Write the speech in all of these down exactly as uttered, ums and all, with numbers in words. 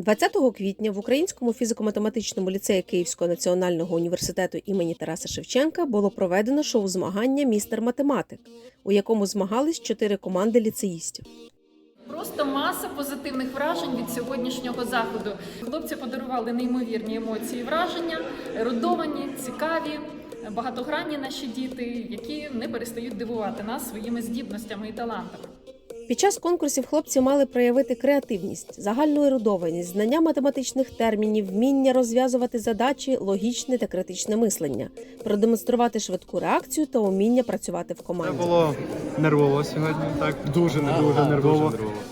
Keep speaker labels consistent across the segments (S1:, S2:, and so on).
S1: двадцятого квітня в Українському фізико-математичному ліцеї Київського національного університету імені Тараса Шевченка було проведено шоу-змагання «Містер Математик», у якому змагались чотири команди ліцеїстів.
S2: Просто маса позитивних вражень від сьогоднішнього заходу. Хлопці подарували неймовірні емоції і враження, ерудовані, цікаві, багатогранні наші діти, які не перестають дивувати нас своїми здібностями і талантами.
S1: Під час конкурсів хлопці мали проявити креативність, загальну ерудованість, знання математичних термінів, вміння розв'язувати задачі, логічне та критичне мислення, продемонструвати швидку реакцію та уміння працювати в команді.
S3: Це було нервово сьогодні, так, дуже не дуже
S4: Ага,
S3: нервово.
S4: дуже нервово.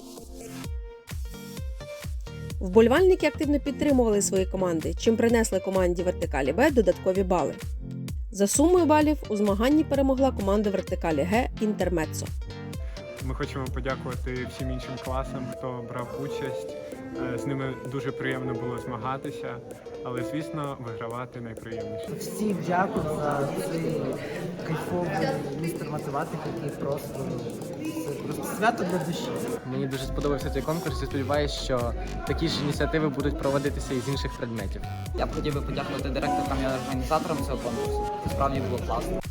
S1: Вболівальники активно підтримували свої команди, чим принесли команді вертикалі Б додаткові бали. За сумою балів у змаганні перемогла команда вертикалі Г «Інтермеццо».
S3: Ми хочемо подякувати всім іншим класам, хто брав участь. Е, З ними дуже приємно було змагатися, але, звісно, вигравати найприємніше.
S5: Всім дякую за цей кайфовий містер математик, який просто, це просто свято для душі.
S6: Мені дуже сподобався цей конкурс і сподіваюся, що такі ж ініціативи будуть проводитися і з інших предметів.
S7: Я б хотів би подякувати директорам і організаторам цього конкурсу. Це справді було класно.